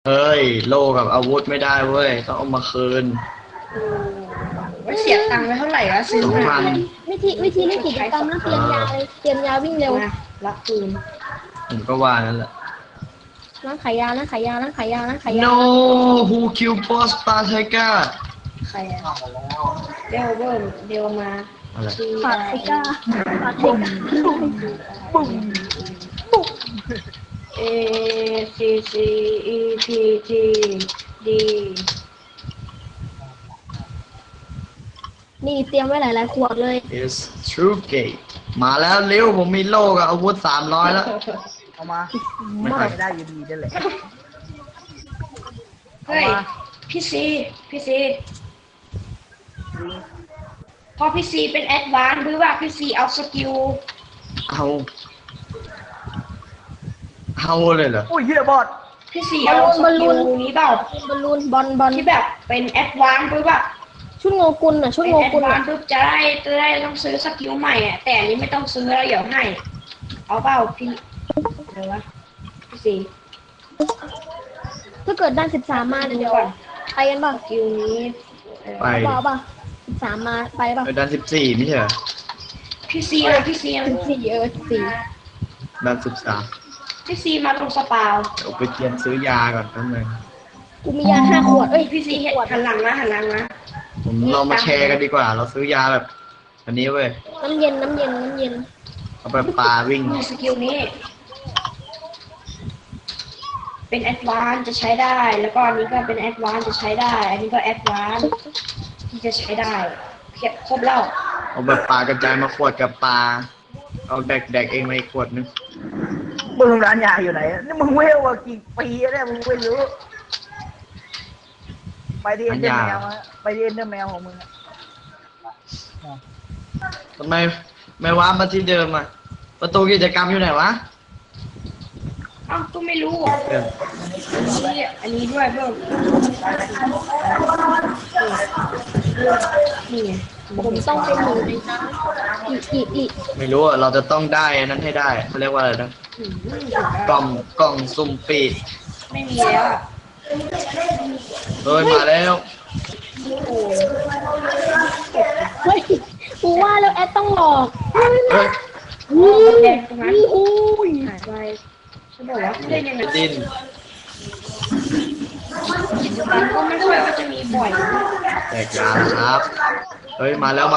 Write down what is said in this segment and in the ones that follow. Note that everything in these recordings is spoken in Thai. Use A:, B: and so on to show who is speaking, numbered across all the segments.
A: เฮ้ยโล่กับอาวุธไม่ได้เว้ยต้องเอามาคืน
B: ว่าเสียตังค์ไปเท่าไหร่วะซื้อมา
A: 2,000
C: วิธีเล่นกิจกรรมนะเตรียมยาเลยเตรียมยาวิ่งเร็ว
B: มารับคืน
A: ผมก็ว่านั่นแหละ
C: ร้านขายยาร้านขายยาร้านขายยาร้านขายยา
A: No who killed boss Partega
B: ใครอะเดวเบิ้มเดวมา
A: อะไร
C: ปาเทก้าปาเทก้า
B: บุ้มเอซีซีอีพีจีดี
C: นี่เตรียมไว้หลายๆขวดเลย
A: is true gate มาแล้วเร็วผมมีโล่กับอาวุธ300แล้ว
D: เอามาไม่ได้อยู่ดีนั่นแหละ
B: เฮ้ยพี่ซีพอพี่ซีเป็นแอดวานซ์หรือว่าพี่ซีเอาสกิล
A: เอาเลยเหรอ
D: โอ้ยเฮียบอด
B: พี่ซีเอาสกิลนี้เปล่า
C: บอลลูนบอล
B: ที่แบบเป็นแอดวานซ์หรือว่า
C: ชุดโงกุลน่ะชุดโงกุลน่ะ
B: ปุ๊บจะได้ต้องซื้อสกิลใหม่อ่ะแต่อันนี้ไม่ต้องซื้อแล้วเดี๋ยวให้เอาเปล่าพี่เดี๋ยววะพี่ซี
C: ถ้าเกิดด้าน13มาเดี๋ยวไปกันป่ะ
B: สกิลนี้
A: ไป
C: เอาป่ะ13มาไปป่ะ
A: ดัน14ไม่ใช่เหรอ
B: พี่ซี
C: 14
A: ดัน
B: พี่ซีมาตรงสปาว
A: 13เดี๋ยวไปเตรียมซื้อยาก่อนแป๊บนึง
C: กูมียา5 ขวดเอ้ย
B: พี่ซีหันหลังนะ
A: ผมเรามาแชร์กันดีกว่าเราซื้อยาแบบอันนี้เว้ย
C: น้ำเย็น
A: เอาไปปลาวิ่ง
B: สกิลนี้เป็นแอดวานซ์จะใช้ได้แล้วก็อันนี้ก็เป็นแอดวานซ์จะใช้ได้อันนี้ก็แอดวานซ์ที่จะใช้ได้ครบแล้ว
A: เอาแบบปลากระจายมาขวดกับปลาเอาแดกเองมาอีกขวดนึง
D: มึงร้านยาอยู่ไหนนี่มึงเวลว่ากี่ปีแล้วมึงไม่รู้ไปที่เอ็นเดอร์แมวไปที่เอ็นเดอร์แมวของมึง
A: ทำไมไม่ว้ามาที่เดิมอ่ะประตูกิจกรรมอยู่ไหนวะ
B: อ้าวก็ไม่รู้อันนี้ด้วยเพิ่มนี่
C: ผมต้องเป็นหนึ่งในนั้นอีก
A: ไม่รู้อ่ะเราจะต้องได้นั้นให้ได้เขาเรียกว่าอะไรนะกล่องซุ่มปีด
B: ไม่มีแล้ว
A: เฮ้ยมาแล้ว
C: เฮ้ยกูว่าแล้วแอดต้องหลอก
A: เฮ้ย
B: แดงตรงนั้นหายไปฉันบอกว่าเล่นยังไง
A: ดิน
B: กิจกรรมก็ไม่ค่อยว่าจะมีบ่อย
A: แตกยาครับเฮ้ยมาแล้ว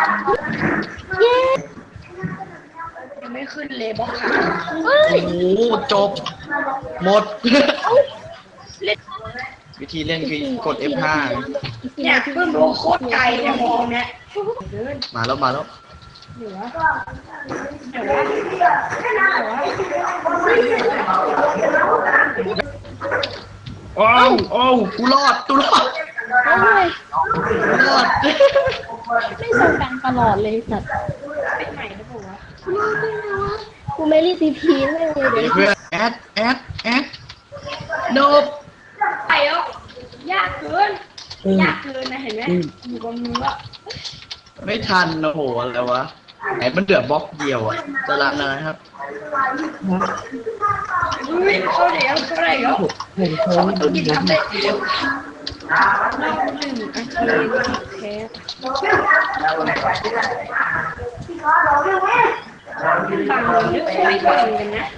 B: ยังไม่ขึ้นเลยบล็อกขา
A: โอ้โหจบหมดวิธีเล่นคือกด F5
B: เนี่ยเพิ่งดูโคตรไกลเนี่ยมองเนี่ย
A: มาแล้วโอ้กูรอด
C: รอดไม่ส่งกันตลอดเลยสัตว์
B: เป็นใหม่หรือเปล่าวะ
C: กูไม่รีบทีไม่เลย
A: เพื่อนแอดโนบ
B: ไปแล้วยากเกินนะเห็นไหมอยู่กับมือว่า
A: ไม่ทันโอ้โหอะไรวะไหนมันเดือดบล็อกเดียวอ่ะจะรันนะครับ
B: เขาเดี๋ยวเขาตัวกินทำได้เดียวรอบ1 นาทีแค่บางคนนึกไม่ทันกันนะ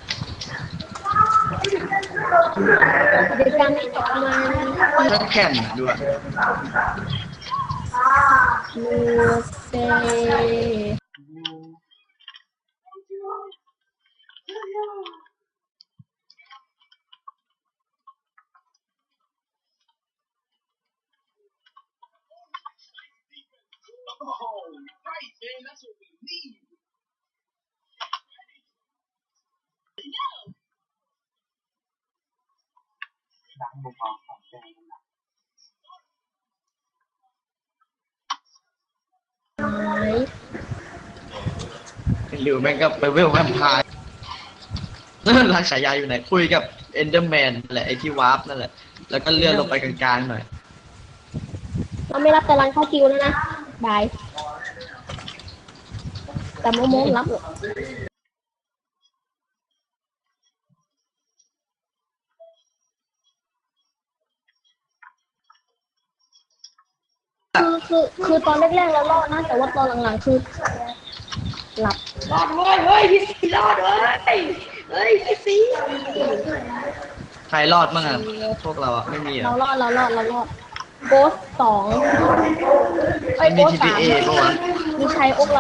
C: เดี๋ยวการจบมา
A: ทั้งแผ่นด้วย
C: มูเซ่
A: หรือแม่งก็ไปเวลแวมไพร์ร้านขายยาอยู่ไหนคุยกับเอนเดอร์แมนแหละไอที่วาร์ปนั่นแหละแล้วก็เลื่อนลงไปกลางๆหน่อย
C: เราไม่รับแต่ร้านเข้าคิวแล้วนะบายแต่โมรับคือตอนแรกๆเรารอดนะ แต่ว่าตอนหลังๆคือหลับ
B: รอดเว้ยเฮ้ยพี่ซีรอดเว้ยเฮ้ยพี่ซี
A: ใครรอดบ้างอะพวกเราอะไม่มีเหร
C: เรา
A: อ
C: รอดโกส2ไอ้ย
A: มี
C: โกส
A: TPA
C: 3
A: ปะวะ
C: มีชัยอกเรา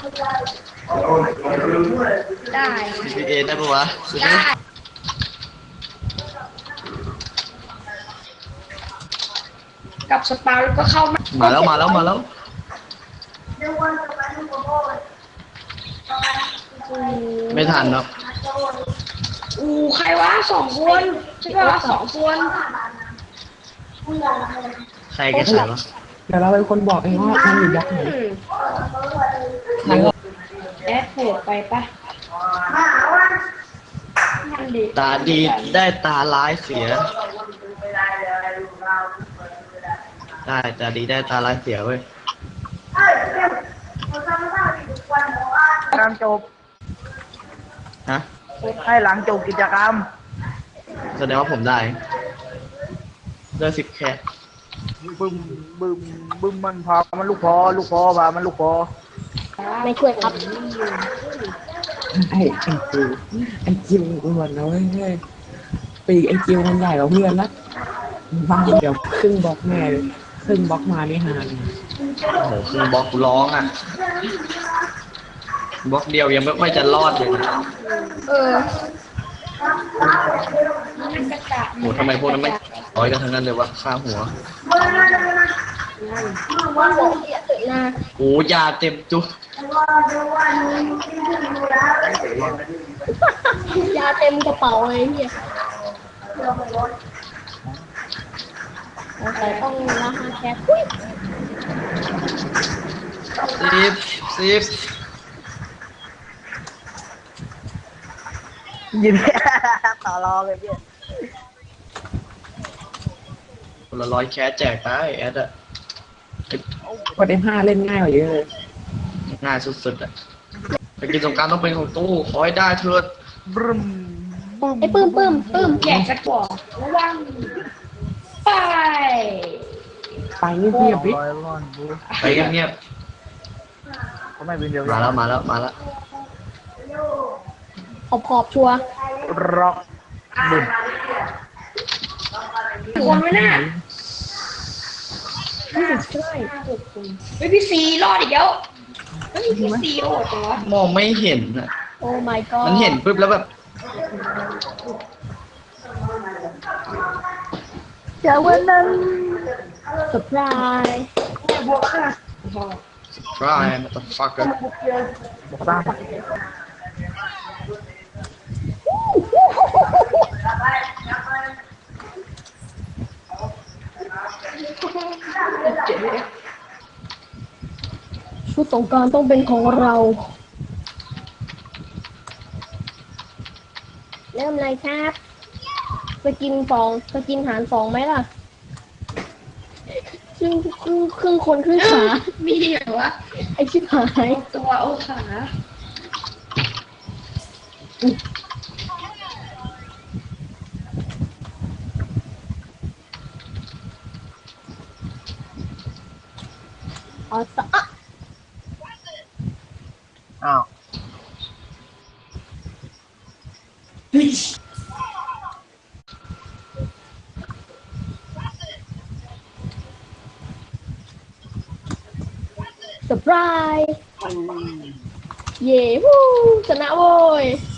B: ได้
A: TPA ได้ปะวะ
B: ได้กับสปาแล้วก็เข้ามา
A: มาแล้วมาแล้วมาแล้ว ไม่ทันเนาะ
B: ใครวะ2 คนใช่ปะ2 คน
A: ใครกันใช่วะ
E: เดี๋ยวเราเป็นคนบอกเองว่ามันอยู่ยักษ์ไหน
B: แอดโหดไปปะนั่นดิ
A: ตาดีได้ตาร้ายเสีย ได้ตาดีได้ตาร้ายเสียเว้ย
D: การจบ
A: ฮะ
D: ให้หลังจบกิจกรรม
A: แสดงว่าผมได้เลือก10 แค่
D: บึ้มบึ้มบึ้มมันพามันลูกพอพามันลูกพอ
C: ไม่ช่วยครับ
E: ไอ้จิวอ้วนนะเว้ยเฮ้ยปีกไอ้จิวมันใหญ่กว่าเพื่อนละบ้าเดี๋ยวครึ่งบล็อกแม่เลยครึ่งบล็อกมาไม่หาเลย
A: โอ้โหคือบล็อกร้องอ่ะบล็อกเดียวยังไม่ค่อยจะรอดเลยนะ
B: มันกระจา
A: โหทำไมพวกนั้นไม่ร้อยกันทั้งนั้นเลยวะค่าหัว
C: ว่าบอกเสียตึกนา
A: โอ้ยาเต็มจุก
C: ยาเต็มกระเป๋าเลยเนี่ยแต่ต้องราคาแคสอุ๊ย
A: 10
D: ยิน ต่อรองเลยพี่
A: คนละ100 แคสแจกไปแอดอะ
E: พอได้5เล่นง่ายกว่าเยอะเลย
A: ง่ายสุดๆอะไปกินสงกรารต้องเป็นของตู้ขอให้ได้เถิด
D: บึ้มบึ้ม
C: ไอ้ปื้ม
B: แจกสักกว่าระวังไป
E: ไปเงียบๆดิ
D: ร้อยร้อนบู
A: ไปเงียบ
D: เขาไม่เป็นเดียว
A: ๆมาแล้วมาแล้วมาแล้ว
C: ขอบชัวร์
D: ร็อกบึ้ม
B: คนไว้น่ะ
C: ใช่
B: เฮ้ยพี่ซีรอดอีกแล้วเฮ้ยพี่ซีโหดจังวะ
A: มองไม่เห็นอะ
C: โอ้ my god
A: มันเห็นปุ๊บแล้วแบบ
C: เจอวันนั้นเซอร์ไพรส์
A: try motherfucker
D: บอกตั้ง
C: ชุดสงกรานต์ต้องเป็นของเรา เริ่มเลยครับสกินหาร2ไหมล่ะครึ่งคนครึ่งขา
B: มีเหรอวะ
C: ไอชิบหาย
B: ตัวโอขา
C: อ๋อสะ
D: อ้าว
C: เซอร์ไพรส์เย้วู้ชนะโว้ย